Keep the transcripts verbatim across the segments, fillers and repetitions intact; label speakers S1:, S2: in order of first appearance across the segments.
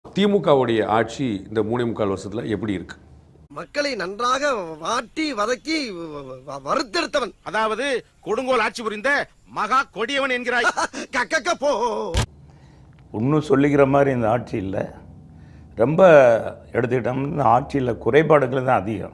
S1: திமுகவுடைய ஆட்சி இந்த மூணே முக்கால் வருஷத்துல எப்படி இருக்கு?
S2: மக்களை நன்றாக வாட்டி வதக்கி வறுத்தெடுத்தவன்,
S3: அதாவது கொடுங்கோல் ஆட்சி புரிந்த மகா கொடியவன் என்கிறாய்.
S2: கக்க போ.
S4: இன்னும் சொல்லிக்கிற மாதிரி இந்த ஆட்சி இல்லை. ரொம்ப எடுத்துக்கிட்டோம்னா இந்த ஆட்சியில் குறைபாடுகள் தான் அதிகம்.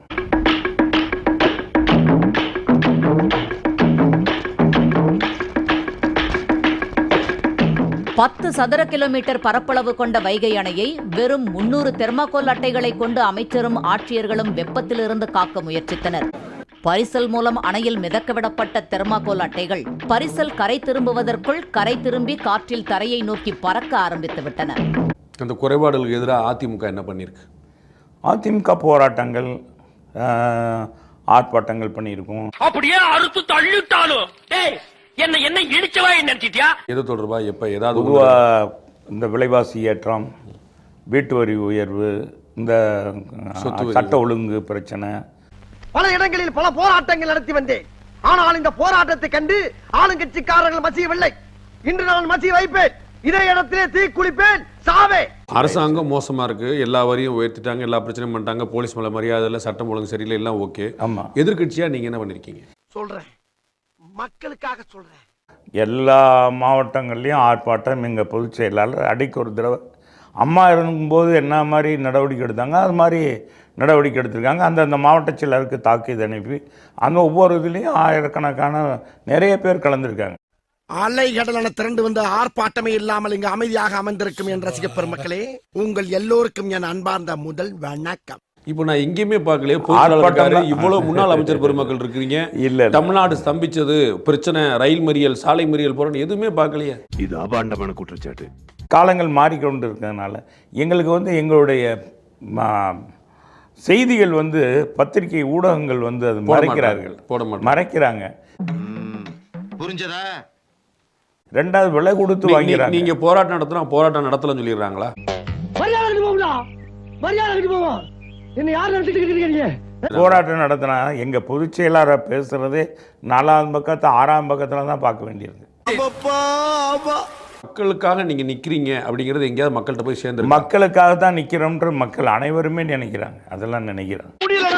S5: பத்து சதுர கிலோமீட்டர் பரப்பளவு கொண்ட வைகை அணையை வெறும் முன்னூறு தெர்மாகோல் அட்டைகளை கொண்டு அமைச்சரும் ஆட்சியர்களும் வெப்பத்திலிருந்து காக்க முயற்சித்தனர். பரிசல் மூலம் அணையில் மிதக்கவிடப்பட்ட தெர்மாகோல் அட்டைகள் பரிசல் கரை திரும்புவதற்குள் கரை திரும்பி காற்றில் தரையை நோக்கி பறக்க ஆரம்பித்து விட்டன.
S1: அந்த குறைபாடுகளுக்கு எதிராக அதிமுக என்ன பண்ணியிருக்கு?
S4: அதிமுக போராட்டங்கள், ஆர்ப்பாட்டங்கள் பண்ணியிருக்கோம்.
S6: அப்படியே அறுத்து தள்ளிட்டாலும் என்ன என்ன இடிச்சவா நினைச்சிட்டியா?
S1: எது தொடர்பா எப்ப ஏதாவது
S4: பொதுவாக இந்த விலைவாசி ஏற்றம், வீட்டு வரி உயர்வு, இந்த சட்ட ஒழுங்கு பிரச்சனை,
S2: பல இடங்களில் பல போராட்டங்கள் நடத்தி வந்தேன். ஆனால் இந்த போராட்டத்தை கண்டு ஆளுங்கட்சிக்காரர்கள் மசியவில்லை. இன்று நான் மசிய வைப்பேன். இதே இடத்திலே தீ குளிப்பேன், சாவே.
S1: அரசாங்கம் மோசமா இருக்கு, எல்லா வரியும் உயர்த்திட்டாங்க, எல்லா பிரச்சனையும் பண்ணிட்டாங்க, போலீஸ் மேல மரியாதை இல்லை, சட்டம் ஒழுங்கு சரியில்லை, எல்லாம் ஓகே.
S4: ஆமா,
S1: எதிர்கட்சியா நீங்க என்ன பண்ணிருக்கீங்க?
S2: சொல்றேன், மக்களுக்காக சொல்றேன்.
S4: எல்லா மாவட்டங்கள்லையும் ஆர்ப்பாட்டம். எங்கள் பொதுச் செயலாளர் அடிக்கு ஒரு தடவை அம்மா இருக்கும்போது என்ன மாதிரி நடவடிக்கை எடுத்தாங்க அது மாதிரி நடவடிக்கை எடுத்திருக்காங்க. அந்தந்த மாவட்ட செயலருக்கு தாக்கீது அனுப்பி அந்த ஒவ்வொரு இதுலேயும் ஆயிரக்கணக்கான நிறைய பேர் கலந்துருக்காங்க.
S2: அலை கடலான திரண்டு வந்து ஆர்ப்பாட்டமே இல்லாமல் இங்கு அமைதியாக அமர்ந்திருக்கும் என் ரசிக பெருமக்களே, உங்கள் எல்லோருக்கும் என் அன்பார்ந்த முதல் வணக்கம்.
S1: இப்போ நான் எங்கேயுமே பார்க்கலையே, இவ்வளவு முன்னாள் அமைச்சர் பெருமக்கள் இருக்கிறீங்க. இல்ல, தமிழ்நாடு ஸ்தம்பிச்சது பிரச்சனை, ரயில் மறியல், சாலை மறியல் போறோம், எதுவுமே பார்க்கலையே.
S3: இது அபாண்டமான குற்றச்சாட்டு.
S4: காலங்கள் மாறிக்கொண்டு இருக்கிறதுனால எங்களுக்கு வந்து எங்களுடைய செய்திகள் வந்து பத்திரிகை ஊடகங்கள் வந்து அது மறைக்கிறார்கள்,
S1: போட மாட்டாங்க,
S4: மறைக்கிறாங்க.
S3: புரிஞ்சதா?
S4: ரெண்டாவது விலை கொடுத்து வாங்கிறாங்க.
S1: நீங்க போராட்டம் நடத்தினா போராட்டம் நடத்தலன்னு சொல்லிடுறாங்களா?
S4: போராட்டம் நடத்தினா எங்க பொதுச் செயலாளர் பேசுறதே நாலாம் பக்கத்து ஆறாம் பக்கத்துல தான் பார்க்க வேண்டியிருக்கு.
S1: மக்களுக்காக நீங்க நிக்கிறீங்க அப்படிங்கறது எங்கேயாவது மக்கள்கிட்ட போய் சேர்ந்து?
S4: மக்களுக்காக தான் நிக்கிறோம்ன்ற மக்கள் அனைவருமே நினைக்கிறாங்க, அதெல்லாம் நினைக்கிறாங்க.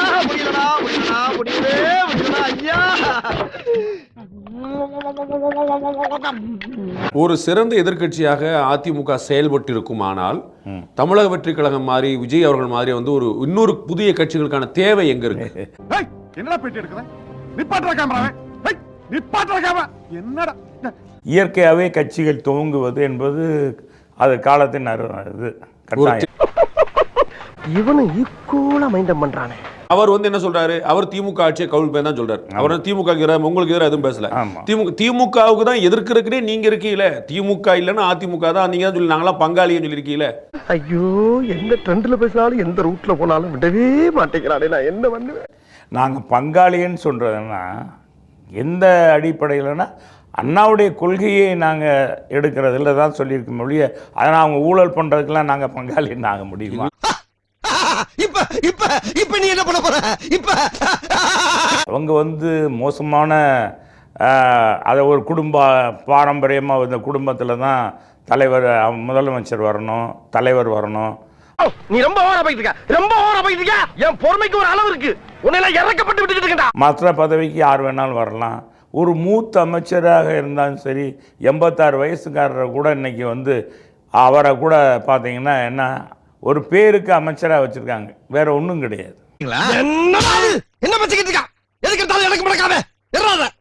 S1: ஒரு சிறந்த எதிர்கட்சியாக அதிமுக செயல்பட்டு இருக்குமானால் தமிழக வெற்றி கழகம் மாதிரி, விஜய் அவர்கள் மாதிரி வந்து ஒரு இன்னொரு புதிய கட்சிகளுக்கான தேவை எங்க இருக்கு?
S3: என்னடா பேட்டி எடுக்கற? நிப்பாட்ற கேமராவை. நிப்பாட்ற கேமரா. என்னடா?
S4: இயற்கையாகவே கட்சிகள் துவங்குவது என்பது அது காலத்தின் இது கட்டாயம்.
S2: இவனு ஈக்குவலா மைண்டம் பண்றானே.
S1: அவர் வந்து என்ன சொல்றாரு? அவர் திமுக ஆட்சியை கவுல் பேர் தான் சொல்றாரு. அவர் திமுக உங்களுக்கு எதிராக எதுவும் பேசல. திமுக திமுகவுக்கு தான் எதிர்க்கிறதுக்கே நீங்க இருக்கீங்களே. திமுக இல்லைன்னா அதிமுக தான் நீங்க தான் சொல்லி நாங்களாம் பங்காளின்னு சொல்லியிருக்கீங்களே.
S2: ஐயோ, எந்த ட்ரெண்ட்ல பேசினாலும் எந்த ரூட்ல போனாலும் விடவே மாட்டேங்கிறானே, நான் என்ன பண்ணுவேன்?
S4: நாங்கள் பங்காளின்னு சொல்றதுன்னா எந்த அடிப்படையில்னா அண்ணாவுடைய கொள்கையை நாங்கள் எடுக்கிறதுல தான் சொல்லியிருக்க ஒழிய அதனால் அவங்க ஊழல் பண்ணுறதுக்கெல்லாம் நாங்கள் பங்காளின்னு ஆக முடியுமா?
S2: இப்ப இப்ப இப்ப நீ என்ன பண்ண போற? இப்ப
S4: அவங்க வந்து மோசமான அதை ஒரு குடும்ப பாரம்பரியமாக இந்த குடும்பத்தில் தான் தலைவர், முதலமைச்சர் வரணும், தலைவர் வரணும்.
S2: நீ ரொம்ப ஓவரா போயிட்டு இருக்க, ரொம்ப ஓவரா போயிட்டு இருக்க. என் பொறுமைக்கு ஒரு அளவு இருக்கு. உன்னை இறக்கப்பட்டு விட்டுட்டு இருக்கடா.
S4: மற்ற பதவிக்கு யார் வேணாலும் வரலாம். ஒரு மூத்த அமைச்சராக இருந்தாலும் சரி, எண்பத்தாறு வயசுக்காரரை கூட இன்னைக்கு வந்து அவரை கூட பார்த்தீங்கன்னா என்ன ஒரு பேருக்கு அமைச்சராக வச்சிருக்காங்க, வேற ஒன்றும் கிடையாது.
S2: என்ன என்ன பச்சிக்கிட்டு இருக்கா? எதுக்கு எடுத்தாலும் எனக்கு முடக்காம